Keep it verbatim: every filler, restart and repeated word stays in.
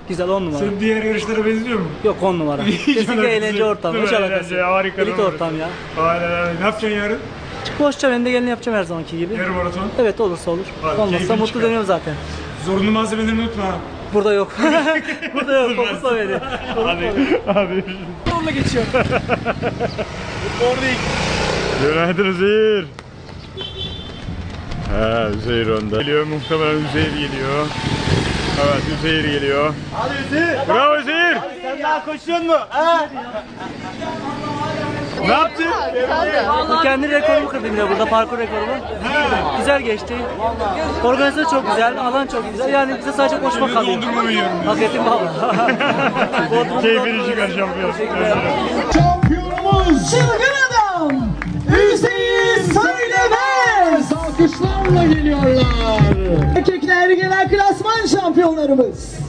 Güzel, on numara. Senin diğer yarışlara benziyor mu? Yok, on numara. Kesinlikle eğlence ortamı. Hiç alakası yok. Harika. Elit ortam ya. Aynen aynen. Ne yapacaksın yarın? Boşça ben de gelin yapacağım her zamanki gibi. Yarın maraton. Evet, olursa olur. Abi, Olmazsa keyfini mutlu çıkar. dönüyorum zaten. Zorunlu malzemelerini unutma ha. Burada yok. Burada yok. Fokusla beni. Hadi. Hadi. Onunla geçiyor. Günaydın Üzeyir. He, Üzeyir onda. Geliyor, muhtemelen Üzeyir geliyor. Evet, Üzeyir geliyor. Hadi Üzeyir. Bravo Üzeyir. Sen daha koşuyor mu? Ha? Ne yaptın? Bu kendi rekorumu kırdım yine burada, parkur rekorumu. Güzel geçti. Organizasyon çok güzel, alan çok güzel. Yani bize sadece koşmak kalıyor. Dondurma mı yiyorum? Hak ettim valla. Keyfini çıkar şampiyon. Şampiyonumuz çılgın adam Üzeyir Söylemez alkışlarla geliyorlar. Erkekler genel klasman şampiyonlarımız.